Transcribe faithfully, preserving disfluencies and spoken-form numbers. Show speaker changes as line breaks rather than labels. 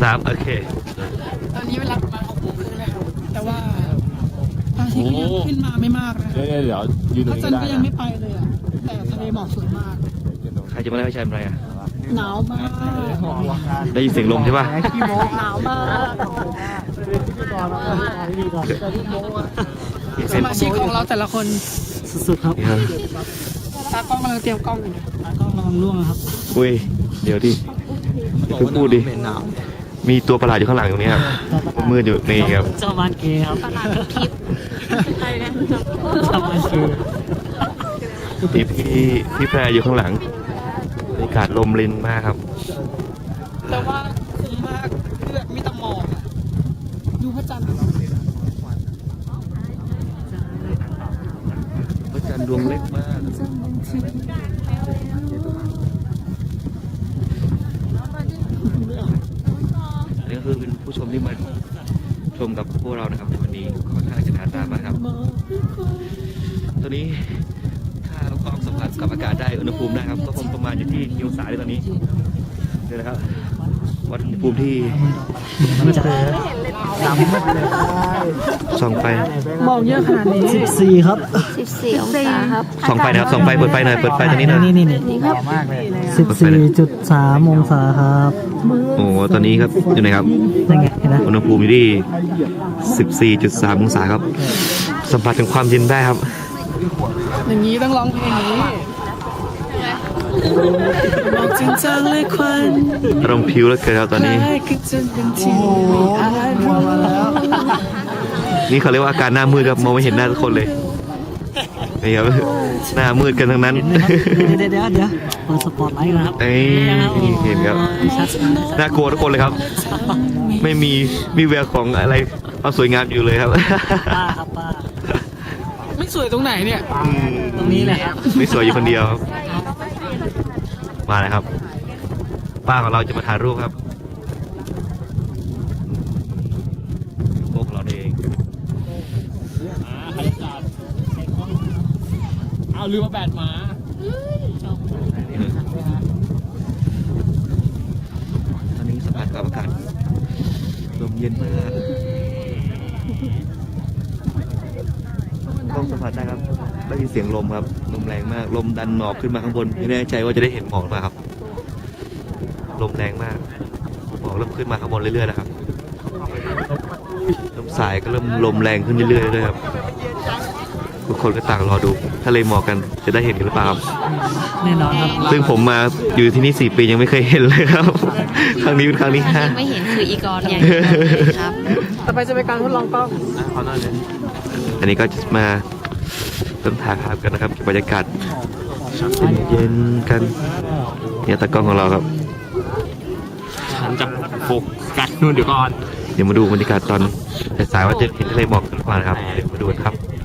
ามโอเค
ตอนนี้เวลาประมาณหกโมงครึ่งแล้วแต่ว่าพระอาทิตย์ก็ยังขึ้นมาไม่มากนะเดี๋ยวเดี๋ยวยืนตรงนี้ได้นะพระจันทร์ก็ยังไม่ไปเลยอ่ะแต่ทะเลหมอกสวยมาก
ใครจะมาเล่าให้ฉันอะไรอ่ะ
หนาวมาก
ได้ยินเสียงลมใช่ป่ะ
หนาวมากสมาชิกของเราแต่ละคนสุดๆครับตากล้องกำลังเตรียมกล้องอยู่ตากล้องกำลังล่วงครับ
อุ้ยเดี๋ยวดิเพิ่งพูดดิมีตัวประหลาดอยู่ข้างหลังตรงนี้ครับมืดอยู่นี่ครับ
เจ้ามันเกย์ครับประหลาดคลิปใครนะเจ้ามันเกย์
พี่พี่พี่แพรอยู่ข้างหลังบรรยากาศลมรินมากครับ
แต่ว่าคุ้มมากคือแบบมีแต่หมอกดูพระจันทร์
พระจันทร์ดวงเล็กมากอันนี้ก็คือเป็นผู้ชมที่มาชมกับพวกเรานะครับวันนี้ค่อนข้างจะหนาตามากครับตอนนี้ถ้าเรากล้องสัมผัสกับอากาศได้อุณหภูมินะครับก็คงประมาณอยู่ที่กี่องศาในตอนนี้เดี๋ยวนะครับวัดอุณหภูมิที่ส่องไฟ
มองเยอะขนาดนี้
สิบสี่ครับ
สิบสี่องศาครับ
ส่องไฟนะครับส่องไฟเปิดไฟหน่อยเปิดไฟตอนนี้หน่อย
นี่นี่นี่ครับสิบสี่จุดสามองศาครับ
โอ้ตอนนี้ครับอยู่ไหนครับ
ยังไงนะ
อุณหภูมิอยู่ที่สิบสี่จุดสามองศาครับสัมผัสถึงความเย็นได้ครับ
อย่างนี้ต้องร้องเพลงนี้บอกจริงจังเลยควัน
อารมณ์พิวแล้วเกิดครับตอนนี้นี่เขาเรียกว่าอาการหน้ามืดครับมองไม่เห็นหน้าทุกคนเลยนี่ครับหน้ามืดกันทั้งนั้น
เดี๋ยวเดี๋ยวเดี๋ยวเปิดสปอตไลท์นะครับ
เอ้ยเห็นครับน่ากลัวทุกคนเลยครับไม่มีมีแววของอะไรความสวยงามอยู่เลยครับ
ป้าครับป้า
ไม่สวยตรงไหนเนี่ย
ตรงนี้แหละครับ
ไม่สวยอยู่คนเดียวมาเลยครับป้าของเราจะมาถ่ายรูปครับพวกเราเอง
เอาลืมมาแบดมา
ตอนนี้สัมผัสกับอากาศลมเย็นมากต้องสัมผัสได้ครับได้ยินเสียงลมครับลมแรงมากลมดันหมอกขึ้นมาข้างบนไม่แน่ใจว่าจะได้เห็นหมอกหรือเปล่าครับลมแรงมากหมอกเริ่มขึ้นมาข้างบนเรื่อยๆนะครับลมสายก็เริ่มลมแรงขึ้นเรื่อยๆเลยครับทุกคนก็ต่างรอดูทะเลหมอกกันจะได้เห็นกันหรือเปล่าครับ
แน่นอนครับ
ซึ่งผมมาอยู่ที่นี่สี่ปียังไม่เคยเห็นเลยครับครั้งนี้เป็นครั้งที่ห้า
ไม่เห็นคืออีกรอย่างครับ
ต่อไปจะเป็นการทดลองกล้อง
อันนี้ก็จะมาเริ่มถ่ายภาพกันนะครับบรรยากาศเย็นๆกันเนี่ยตากล้องของเราครับ
ฉันจะโฟกัสนู่นเดี๋ยวก่อน
เดี๋ยวมาดูบรรยากาศตอนสายๆว่าจะเห็นทะเลหมอกหรือเปล่านะครับเดี๋ยวมาดูกันครับ